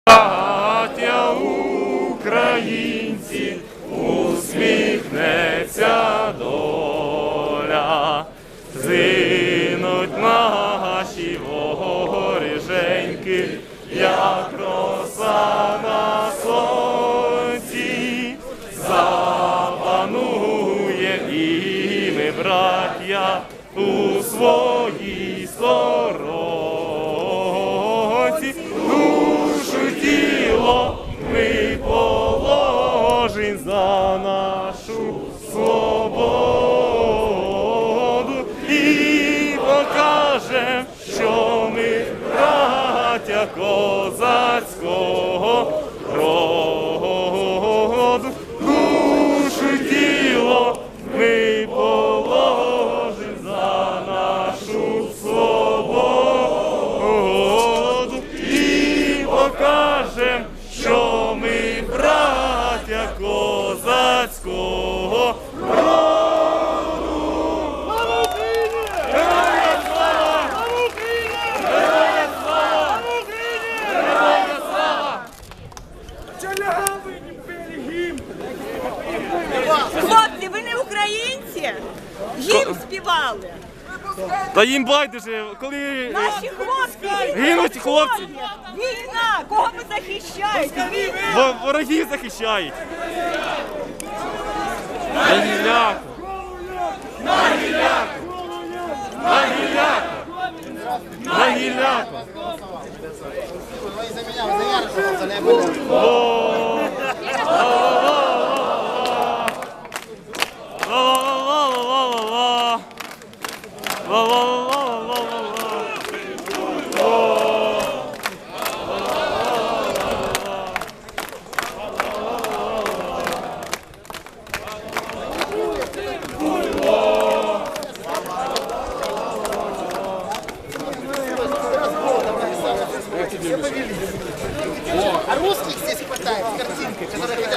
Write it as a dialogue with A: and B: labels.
A: Браття українці, усміхнеться доля, зинуть наші воріженьки, як роса на сонці, запанує і ми, браття, у своїй сторонці. Тіло ми положим за нашу свободу і покажем, що ми браття козацького роду. Душу й тіло ми положим за нашу свободу і покажем, що ми браття козацького роду. Слава Україні! Героям слава! Слава Україні! Героям слава! Слава Україні! Героям слава!
B: Чалявий гімн!
C: Хлопці, ви не українці? Гімн співали.
A: Та їм байдуже, коли
C: Наші хлопці
A: гинуть хлопці.
C: Війна! Кого ви захищаєте?
A: Ворогів захищають. На гілляку! На гілляку! На гілляку! На гілляку!
D: А русских здесь хватает с картинкой, которая